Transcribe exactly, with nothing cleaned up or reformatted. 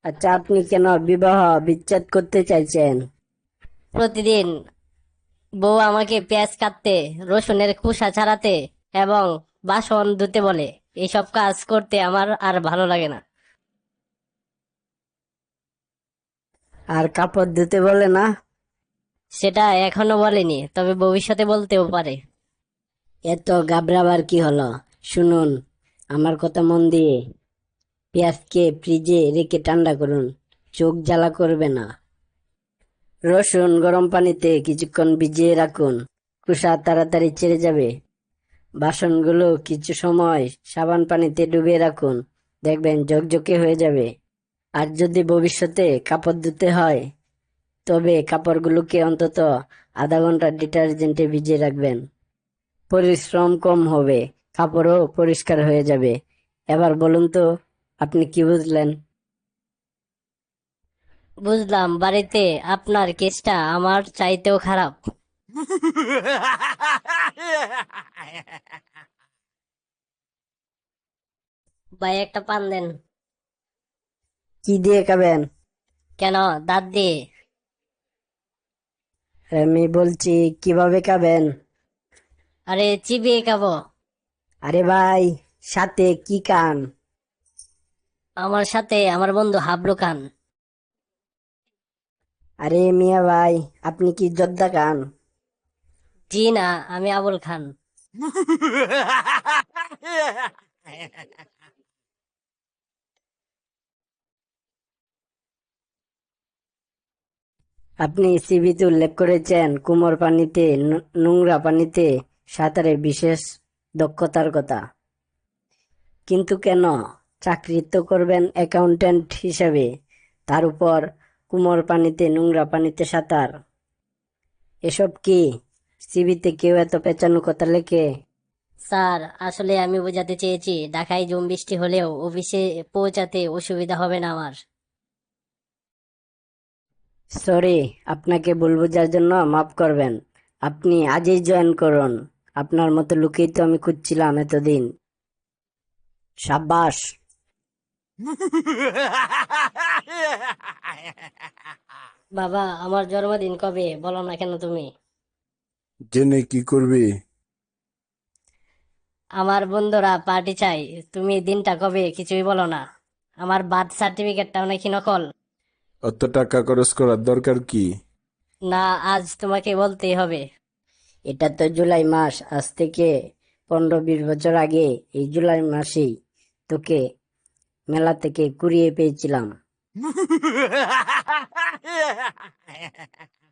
আচ্ছা, আপনি কেন বিবাহ বিচ্ছেদ করতে চাইছেন? প্রতিদিন বউ আমাকে পেঁয়াজ কাটতে, রসুনের খোসা ছাড়াতে এবং বাসন ধুতে বলে। এইসব কাজ করতে আমার আর ভালো লাগে না। আর কাপড় ধুতে বলে না? সেটা এখনো বলেনি, তবে ভবিষ্যতে বলতেও পারে। এত ঘাবড়াবার কি হলো? শুনুন আমার কথা মন দিয়ে। পেঁয়াজকে ফ্রিজে রেখে ঠান্ডা করুন। চোখ জ্বালা করবে না। রসুন গরম পানিতে কিছুক্ষণ ভিজিয়ে রাখুন। খোসা তাড়াতাড়ি ছেড়ে যাবে। বাসনগুলো কিছু সময় সাবান পানিতে ডুবিয়ে রাখুন। দেখবেন ঝকঝকে হয়ে যাবে। আর যদি ভবিষ্যতে কাপড় ধুতে হয়, তবে কাপড়গুলোকে অন্তত আধা ঘন্টা ডিটারজেন্টে ভিজিয়ে রাখবেন। পরিশ্রম কম হবে, কাপড়ও পরিষ্কার হয়ে যাবে। এবার বলুন তো, আপনি কি বুঝলেন? বুঝলাম, বাড়িতে আপনার কেসটা আমার চাইতেও খারাপ। ভাই, একটা পান দেন। কি দিয়ে খাবেন? কেন, দাঁত দিয়ে? আমি বলছি, কিভাবে খাবেন? আরে, চিবিয়ে খাবো। আরে ভাই, সাথে কি খান? আমার সাথে আমার বন্ধু হাবলু খান। আরে মিয়া ভাই, আপনি কি জর্দা খান? জি না, আমি আবুল খান। আপনি সিভিতে উল্লেখ করেছেন কুমোর পানিতে, নু- নোংরা পানিতে সাঁতারে বিশেষ দক্ষতার কথা। কিন্তু কেন? চাকরি তো করবেন অ্যাকাউন্ট্যান্ট হিসাবে, তার উপর কুমোর পানিতে, নোংরা পানিতে সাঁতার। এসব কি সিভিতে কেউ এত পেঁচানো কথা লেখে? স্যার, আসলে আমি বোঝাতে চেয়েছি ঢাকায় ঝুম বৃষ্টি হলেও অফিসে পৌঁছাতে অসুবিধা হবে না আমার। সরি, আপনাকে ভুল বোঝার জন্য মাফ করবেন। আপনি আজই জয়েন করুন। আপনার মতো লোকই তো আমি খুঁজছিলাম এতদিন। সাব্বাস। বাবা, আমার জন্মদিন কবে বলো না কেন তুমি? জেনে কি করবি? আমার বন্ধুরা পার্টি চাই, তুমি দিনটা কবে কিছুই বলো না। আমার বার্থ সার্টিফিকেটটাও নাকি নকল। অত টাকা খরচ করার দরকার কি? না, আজ তোমাকে বলতেই হবে। এটা তো জুলাই মাস। আজ থেকে পনেরো বিশ বছর আগে এই জুলাই মাসেই তোকে মেলা থেকে কুড়িয়ে পেয়েছিলাম।